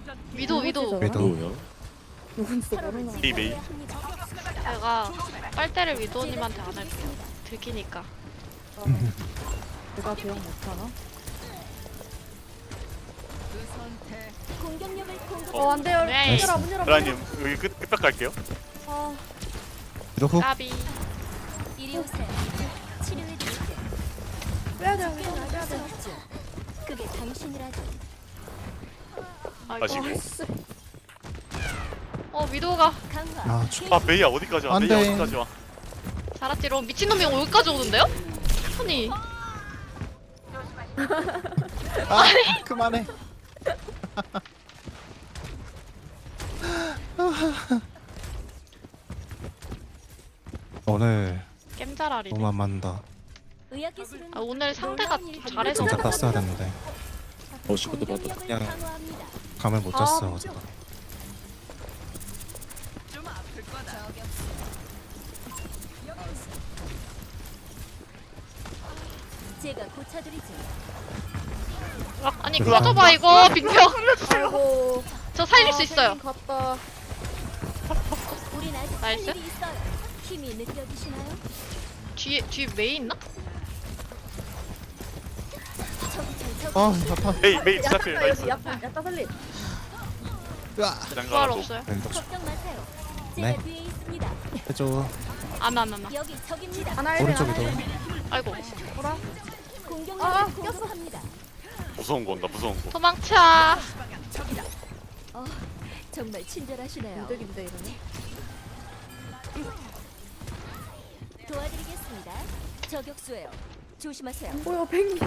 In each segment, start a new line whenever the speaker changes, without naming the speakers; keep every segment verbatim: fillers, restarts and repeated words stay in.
위도 위도.
위도.
누구요?
누군지도 모르나.
메이 메이.
제가 빨대를 위도님한테 안 할게요. 들키니까.
내가 대응 못하나?
공격력을 공급.
어 안돼요.
네.
문 열어 문 열어. 문
라님
열어.
여기 끝 끝벽 갈게요.
아
위도 훅.
까비.
이리 오세요. 치료해 드릴게요.
빼야 돼. 빼야 빼야 돼.
그게 당신이라도.
아이고.
마시고.
아씨.
어 위도가
강화.
아, 죽-
아 메이야 어디까지 와?
안
메이야
돼.
어디까지 와?
잘았지로 미친놈이 여기까지 오는데요? 아니
아, 그만해. 오늘
겜잘알이네.
너무 안 맞는다.
의학 기술은
아, 오늘 상대가 잘해서
진짜
그런
땄어야
거 같아.
됐는데
어 시끄도 받다.
공격력을
그냥-
강화합니다.
감을 못 잤어 어제가.
제가 고쳐드리죠.
아니
그거
꺼져봐 이거 빙벽.
아이고.
저 살릴 수
아,
있어요.
펭귄 갔다.
우린 아직 할
나이스.
일이 있어요. 힘이 느껴지시나요?
뒤에 뒤에 메이 있나?
저기 잘
아
적.
야타.
메이 메이 스타필
야타
나이스.
여기 야타 야타 살리.
으아.
그냥
부활
가라고.
없어요.
왼쪽
걱정 마세요. 제가
네.
뒤에 있습니다.
해줘.
안안 안 안.
여기 적입니다.
하나 일배
오른쪽이도.
하나 일배.
아이고
뭐라?
공격력을
아,
공급합니다.
무서운 거 온다 무서운 거.
도망쳐.
어, 정말 친절하시네요.
이득인데 이러네.
도와드리겠습니다. 저격수예요. 조심하세요.
뭐야 펭귄.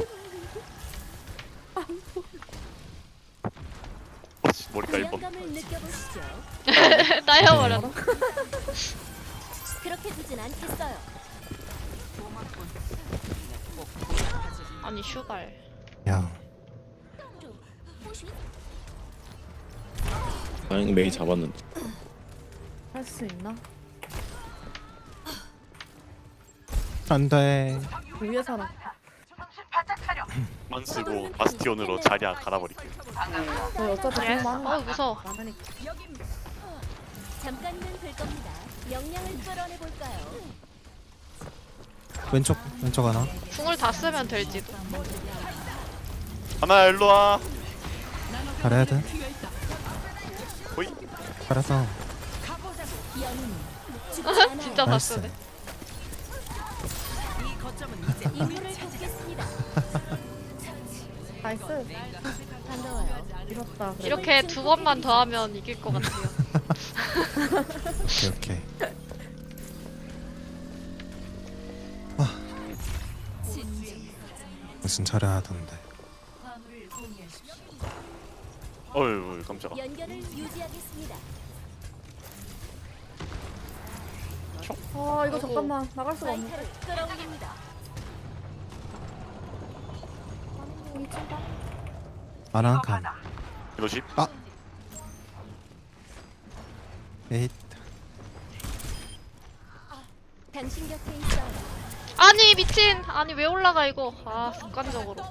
어, 씨, 머리가 일 번.
부담감을 느껴보시죠.
따여버렸.
그렇게 두진 않겠어요.
아니 슈발.
야.
다행히 메이 잡았는데.
할 수 있나?
안돼.
위에 사람.
만 쓰고 바스티온으로 자리야 갈아버릴게요.
저희 어차피
그래?
너무 많아.
어 무서워.
많으니까.
잠깐이면 될 겁니다. 역량을 끌어내 볼까요?
왼쪽 왼쪽 하나.
궁을 다 쓰면 될지도.
하나 일로 와.
잘해야 돼.
호이.
잘했어.
연인 죽지 않아요.
진짜 다
나이스.
쓰네.
임무를 돕겠습니다.
나이스.
반가워요.
이렇다. 그래.
이렇게 두 번만 더 하면 이길 것 같아요.
오케이 오케이. 아. 무슨 잘해야 하던데.
어휴 깜짝아.
연결을 유지하겠습니다.
아 이거 잠깐만 나갈 수가 없네.
마이카를 끌어올립니다.
하나 한 칸.
이러십.
에잇.
당신 곁에 있어요.
아니 미친. 아니 왜 올라가 이거. 아 습관적으로.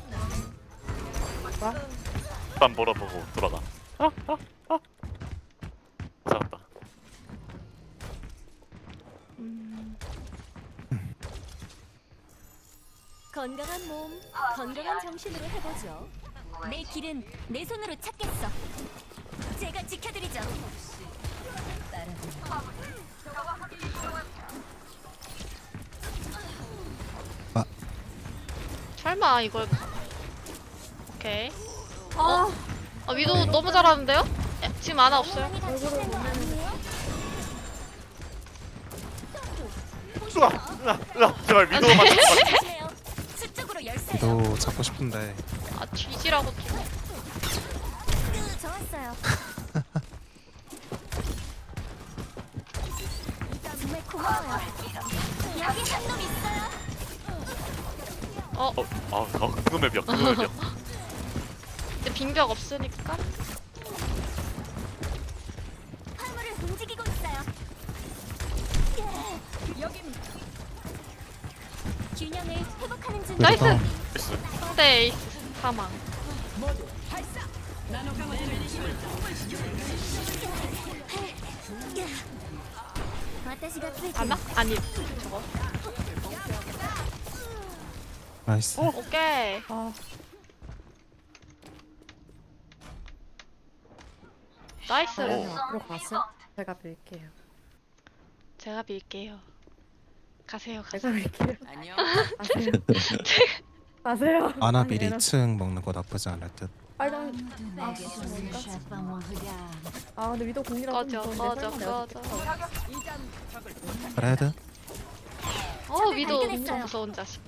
땀 벌어보고 돌아가. 잡았다.
건강한 몸, 건강한 정신으로 해보죠. 내 길은 내 손으로 찾겠어. 제가 지켜드리죠.
설마 이걸. 오케이.
아
아 위도 너무 잘하는데요? 야, 지금 아나 없어요.
얼굴을 못 내는.
으아 으아 으아 제발 위도만 잡아.
조심해요. 수적으로 열쇠요.
위도 잡고 싶은데.
아 뒤지라고 좀.
좋았어요. 정말 고마워요. 여기 한 놈 있어요.
어
어, 아, 어, 그놈의 벽, 그놈의 벽.
근데 빙벽 없으니까.
화물을 움직이고 있어요. 여긴 균형을 회복하는 중.
나이스.
위도
나이스.
상대 에이스 사망.
私がついて
안나? 아니 저거.
나이스.
오케이.
아,
나이스.
그냥 앞으로 가세요. 제가 빌게요.
제가 빌게요. 가세요,
제가
가세요.
빌게요. 안녕. 가세요. 가세요.
아나
아니,
미리
얘는-
이 층 먹는 거 나쁘지 않을 듯.
빨강. 아, 뭔가? 아, 근데 위도 공이라서
꺼져,
좀
꺼져,
무서운데 설마
꺼져.
내가
레드.
어, 위도
발견했어요.
엄청 무서운 자식.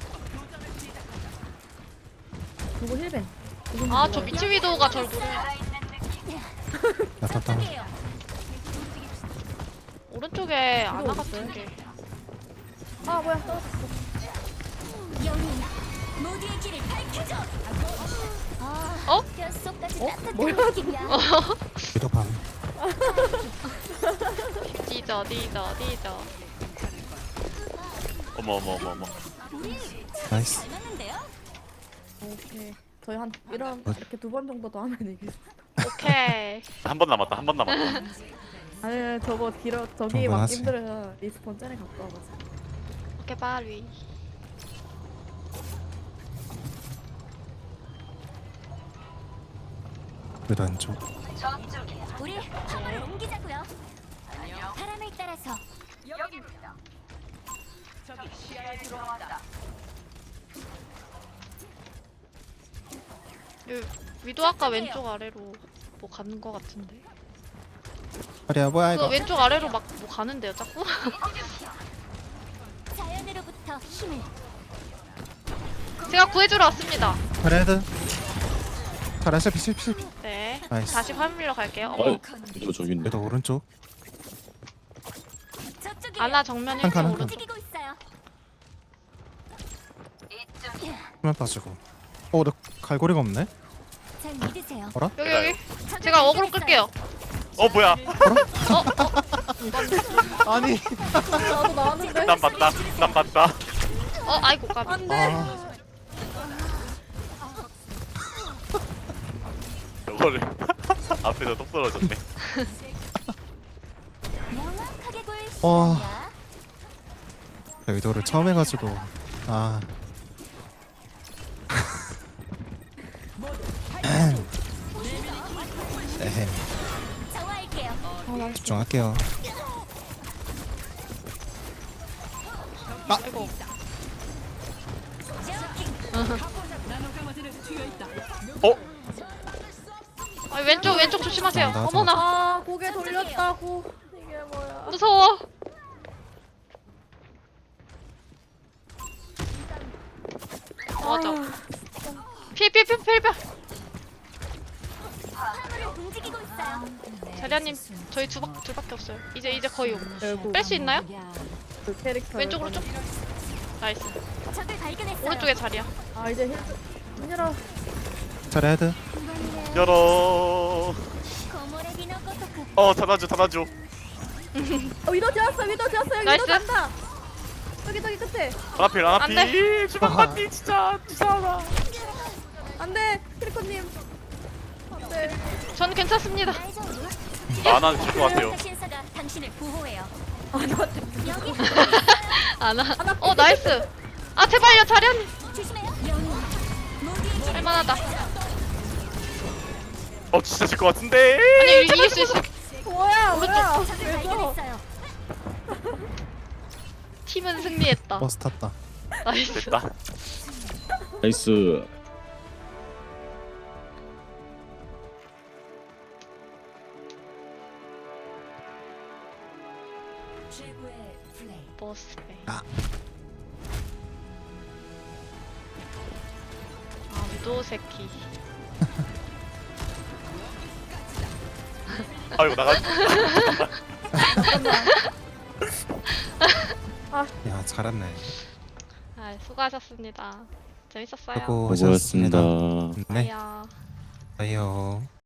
누구 힐벤? 누구
아,
누구야?
저 미친 위도우가 절 노려.
야타 다운.
오른쪽에 아나
위도우
같은
있어요?
게.
아, 뭐야? 떨어졌어.
영웅 모두의 길을 밝혀줘. 아,
어?
뼛속까지
어?
따뜻한
뭐야?
느낌이야.
위도 밤.
뒤져, 뒤져, 뒤져.
어머 어머 어머 어머.
우리
나이스.
잘 맞는데요?
오케이. 저희 한 이런
어?
이렇게 두 번 정도 더 하면 이길 수.
오케이.
한 번 남았다. 한 번 남았다.
아니, 저거 길어. 저기 막
충분하지.
힘들어요. 리스폰 전에 갖고 와가지고.
오케이, 바리.
위도 왼쪽.
우리 화물을 옮기자고요. 바람을 따라서
요- 위도 아까 왼쪽 아래로 뭐 가는 거 같은데.
아리야 뭐야
그거
이거.
왼쪽 아래로 막 뭐 가는데요, 자꾸?
자연으로부터 힘을.
제가 구해주러 왔습니다.
레드. 잘하시 피실 피실.
네.
나이스.
다시 화물로 갈게요. 어머,
어? 이거 저기 있네.
위도 오른쪽.
저쪽이
아나 정면
한 칸,
일찍
한
오른쪽.
움직이고 있어요.
화면 빠지고. 어, 나 갈고리가 없네.
잘 믿으세요.
여기 여기. 제가 어그로 끌게요.
어 뭐야?
어, 어,
아니.
나도 나왔는데.
난 봤다. 난 봤다.
어, 아이고 까비.
안 돼.
아,
저거를 앞에서 똑 떨어졌네.
명확하게 보일
어.
시간이야.
위도를 처음 해가지고. 아. 에헴.
저와할게요.
아, 나
집중할게요.
아이고.
어?
아, 왼쪽 왼쪽 조심하세요.
나, 나,
어머나,
아, 고개 돌렸다고. 이게 뭐야?
무서워. 맞아. 피해 피해 피해 피해 피해.
화물을 움직이고 있어요.
자리아님, 저희 두 박, 둘밖에 없어요. 이제 이제 거의
결국
뺄 수 있나요?
그 캐릭터.
왼쪽으로 쭉. 나이스.
적을 발견했어요.
오른쪽에 자리야.
아, 이제 힐. 문 열어.
자 레드.
열어.
고모레비노 고토쿠.
어 닫아줘 닫아줘.
어, 위도 지었어. 위도 지었어. 여기
나이스.
위도 간다. 저기 저기 끝에.
아필
안
아필. 주방 맞니 진짜 무서워.
안 돼. 크리코님. 안 돼.
저는 괜찮습니다.
나는 질것 같아요.
신사가 당신을 보호해요.
아, 나
여기
아나. 어, 나이스. 아, 제발요, 자리아님.
조심해요. 영웅 모두의 길을
할만하다.
어 진짜 질 것 같은데.
아니, 이길 수 있어.
뭐야? 뭐야?
적을
왜서?
발견했어요.
팀은 승리했다.
버스 탔다.
나이스.
됐다.
나이스.
버스베이.
아.
아, 위도 새끼.
아이고 나가.
야 잘했네.
아, 수고하셨습니다. 재밌었어요.
수고하셨습니다.
수고하셨습니다.
네.
아야.
아이요.